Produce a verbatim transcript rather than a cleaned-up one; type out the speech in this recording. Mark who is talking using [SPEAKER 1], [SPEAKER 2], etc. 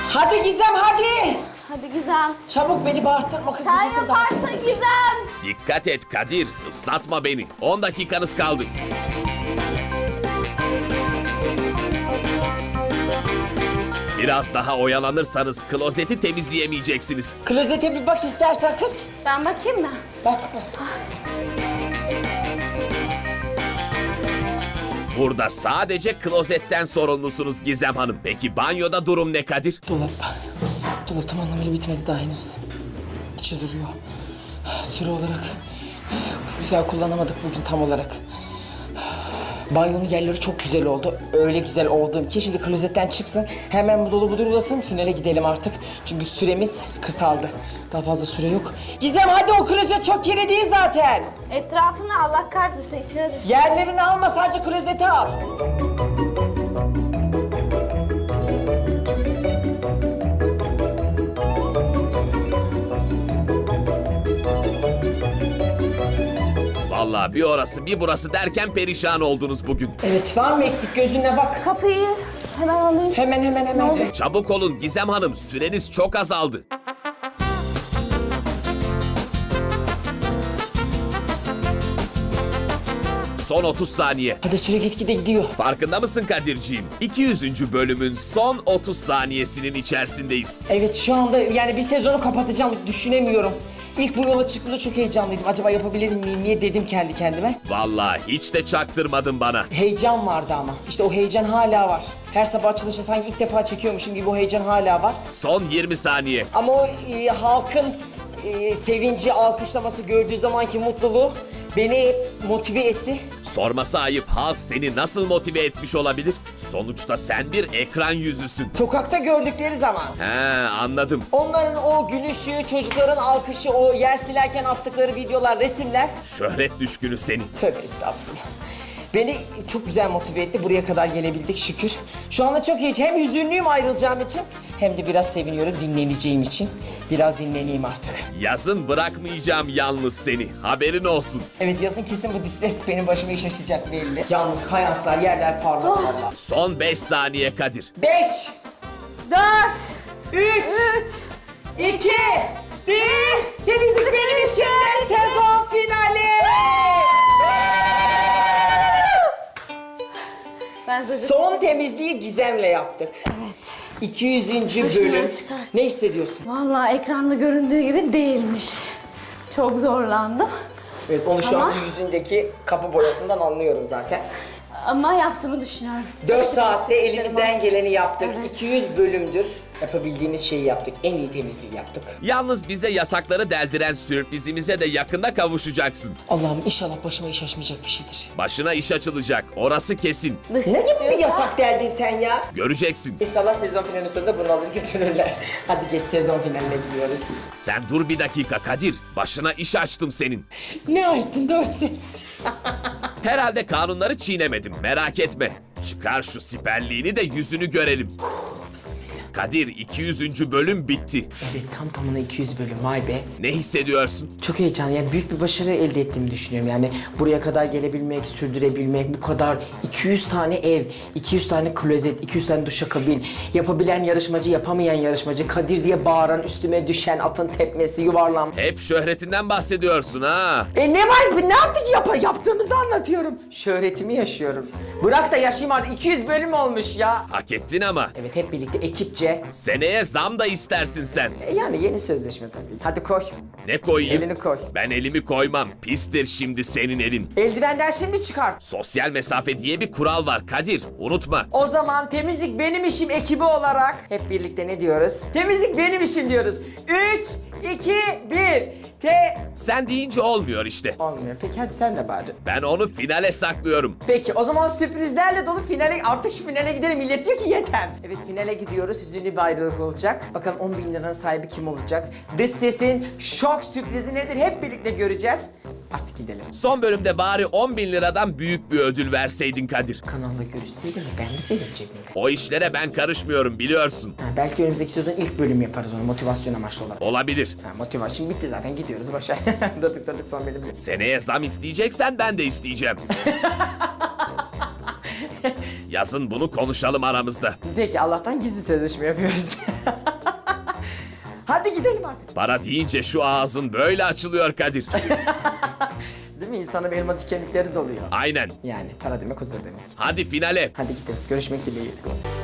[SPEAKER 1] Hadi Gizem hadi.
[SPEAKER 2] Hadi Gizem.
[SPEAKER 1] Çabuk beni bağırtırma kızım.
[SPEAKER 2] Sen
[SPEAKER 1] Gizem daha
[SPEAKER 2] yaparsın
[SPEAKER 1] kesin.
[SPEAKER 2] Gizem.
[SPEAKER 3] Dikkat et Kadir, ıslatma beni. on dakikanız kaldı. Biraz daha oyalanırsanız klozeti temizleyemeyeceksiniz.
[SPEAKER 1] Klozete bir bak istersen kız.
[SPEAKER 2] Ben bakayım mı?
[SPEAKER 1] Bak bak.
[SPEAKER 3] Burada sadece klozetten sorumlusunuz Gizem Hanım. Peki banyoda durum ne Kadir?
[SPEAKER 1] Dolap. Dolap tam anlamıyla bitmedi daha henüz. İçi duruyor. Süre olarak güzel kullanamadık bugün tam olarak. Banyonun yerleri çok güzel oldu. Öyle güzel oldu ki şimdi klozetten çıksın. Hemen bu dolabı durulasın. Finale gidelim artık. Çünkü süremiz kısaldı. Daha fazla süre yok. Gizem hadi o klozet çok kirli değil zaten.
[SPEAKER 2] Etrafını Allah kahretsin içine düş.
[SPEAKER 1] Yerlerini alma sadece klozeti al.
[SPEAKER 3] Vallahi bir orası bir burası derken perişan oldunuz bugün.
[SPEAKER 1] Evet var mı eksik gözüne bak.
[SPEAKER 2] Kapıyı hemen alayım.
[SPEAKER 1] Hemen hemen hemen.
[SPEAKER 3] Çabuk olun Gizem Hanım, süreniz çok azaldı. Son otuz saniye.
[SPEAKER 1] Hadi süre gitgide gidiyor.
[SPEAKER 3] Farkında mısın Kadirciğim? iki yüzüncü bölümün son otuz saniyesinin içerisindeyiz.
[SPEAKER 1] Evet şu anda yani bir sezonu kapatacağım düşünemiyorum. İlk bu yola çıktığımda çok heyecanlıydım. Acaba yapabilir miyim niye dedim kendi kendime.
[SPEAKER 3] Vallahi hiç de çaktırmadın bana.
[SPEAKER 1] Heyecan vardı ama. İşte o heyecan hala var. Her sabah açılışta sanki ilk defa çekiyormuşum gibi o heyecan hala var.
[SPEAKER 3] Son yirmi saniye.
[SPEAKER 1] Ama o e, halkın e, sevinci, alkışlaması gördüğü zamanki mutluluğu beni hep motive etti.
[SPEAKER 3] Sorması ayıp, halk seni nasıl motive etmiş olabilir? Sonuçta sen bir ekran yüzüsün.
[SPEAKER 1] Sokakta gördükleri zaman.
[SPEAKER 3] He, anladım.
[SPEAKER 1] Onların o gülüşü, çocukların alkışı, o yer silerken attıkları videolar, resimler.
[SPEAKER 3] Şöhret düşkünü seni.
[SPEAKER 1] Tövbe estağfurullah. Beni çok güzel motive etti. Buraya kadar gelebildik şükür. Şu anda çok heyecan. Hem hüzünlüyüm ayrılacağım için hem de biraz seviniyorum dinleneceğim için. Biraz dinleneyim artık.
[SPEAKER 3] Yazın bırakmayacağım yalnız seni. Haberin olsun.
[SPEAKER 1] Evet yazın kesin bu disses benim başıma iş açacak belli. Yalnız fayanslar, yerler parlak valla.
[SPEAKER 3] Son beş saniye Kadir.
[SPEAKER 1] Beş,
[SPEAKER 2] Dört.
[SPEAKER 1] üç,
[SPEAKER 2] Üç.
[SPEAKER 1] iki, bir. Temizlik benim işimde sezon finali.
[SPEAKER 2] Ben de
[SPEAKER 1] Son temizliği Gizem'le yaptık. Evet. iki yüzüncü
[SPEAKER 2] Şunları
[SPEAKER 1] bölüm.
[SPEAKER 2] çıkart.
[SPEAKER 1] Ne hissediyorsun?
[SPEAKER 2] Vallahi ekranda göründüğü gibi değilmiş. Çok zorlandım.
[SPEAKER 1] Evet onu şu
[SPEAKER 2] Ama-
[SPEAKER 1] an yüzündeki kapı boyasından anlıyorum zaten.
[SPEAKER 2] Ama yaptığımı düşünüyorum.
[SPEAKER 1] dört saatte elimizden geleni yaptık.
[SPEAKER 2] Evet.
[SPEAKER 1] iki yüz bölümdür yapabildiğimiz şeyi yaptık. En iyi temizliği yaptık.
[SPEAKER 3] Yalnız bize yasakları deldiren sürprizimize de yakında kavuşacaksın.
[SPEAKER 1] Allah'ım inşallah başıma iş açmayacak bir şeydir.
[SPEAKER 3] Başına iş açılacak. Orası kesin.
[SPEAKER 2] Dış
[SPEAKER 1] Ne gibi bir
[SPEAKER 2] diyorsa-
[SPEAKER 1] yasak deldin sen ya?
[SPEAKER 3] Göreceksin.
[SPEAKER 1] İnşallah sezon finali sonunda bunu alır götürürler. Hadi geç sezon finaline gidiyoruz.
[SPEAKER 3] Sen dur bir dakika Kadir. Başına iş açtım senin.
[SPEAKER 1] Ne açtın doğru sen?
[SPEAKER 3] Herhalde kanunları çiğnemedim. Merak etme. Çıkar şu siperliğini de yüzünü görelim. Kadir iki yüzüncü bölüm bitti.
[SPEAKER 1] Evet tam tamına iki yüz bölüm vay be.
[SPEAKER 3] Ne hissediyorsun?
[SPEAKER 1] Çok heyecanlı yani büyük bir başarı elde ettiğimi düşünüyorum. Yani buraya kadar gelebilmek, sürdürebilmek, bu kadar iki yüz tane ev, iki yüz tane klozet, iki yüz tane duşakabin, yapabilen yarışmacı, yapamayan yarışmacı, Kadir diye bağıran, üstüme düşen, atın tepmesi, yuvarlan.
[SPEAKER 3] Hep şöhretinden bahsediyorsun ha.
[SPEAKER 1] E ne var? Ne yaptık? Yap yaptığımızı anlatıyorum. Şöhretimi yaşıyorum. Bırak da yaşayayım artık. iki yüz bölüm olmuş ya.
[SPEAKER 3] Hak ettin ama.
[SPEAKER 1] Evet hep birlikte ekipçe.
[SPEAKER 3] Seneye zam da istersin sen.
[SPEAKER 1] E, yani yeni sözleşme tabii. Hadi koy.
[SPEAKER 3] Ne koyayım?
[SPEAKER 1] Elini koy.
[SPEAKER 3] Ben elimi koymam. Pistir şimdi senin elin.
[SPEAKER 1] Eldivenden şimdi çıkart.
[SPEAKER 3] Sosyal mesafe diye bir kural var Kadir. Unutma.
[SPEAKER 1] O zaman temizlik benim işim ekibi olarak hep birlikte ne diyoruz? Temizlik benim işim diyoruz. Üç, iki, bir. Te...
[SPEAKER 3] Sen deyince olmuyor işte.
[SPEAKER 1] Olmuyor. Peki hadi sen de bari.
[SPEAKER 3] Ben onu finale saklıyorum.
[SPEAKER 1] Peki o zaman sürprizlerle dolu finale, artık şu finale gidelim. Millet diyor ki yeter. Evet finale gidiyoruz. Hüzünlü bir ayrılık olacak. Bakalım on bin liranın sahibi kim olacak? Dış sesin şok sürprizi nedir? Hep birlikte göreceğiz. Artık gidelim.
[SPEAKER 3] Son bölümde bari on bin liradan büyük bir ödül verseydin Kadir.
[SPEAKER 1] Kanalda görüşseydiniz ben de verim cebimde.
[SPEAKER 3] O işlere ben karışmıyorum biliyorsun.
[SPEAKER 1] Ha, belki önümüzdeki sezon ilk bölüm yaparız onu motivasyon amaçlı olarak.
[SPEAKER 3] Olabilir.
[SPEAKER 1] Ha, motivasyon bitti zaten gidiyoruz başa. durduk durduk son bölüm.
[SPEAKER 3] Seneye zam isteyeceksen ben de isteyeceğim. Yazın bunu konuşalım aramızda.
[SPEAKER 4] Peki Allah'tan gizli sözleşme yapıyoruz. Hadi gidelim artık.
[SPEAKER 3] Para deyince şu ağzın böyle açılıyor Kadir.
[SPEAKER 4] Değil mi? İnsanın elmacık kemikleri doluyor.
[SPEAKER 3] Aynen.
[SPEAKER 4] Yani para demek huzur demek.
[SPEAKER 3] Hadi finale.
[SPEAKER 4] Hadi gidelim. Görüşmek dileğiyle.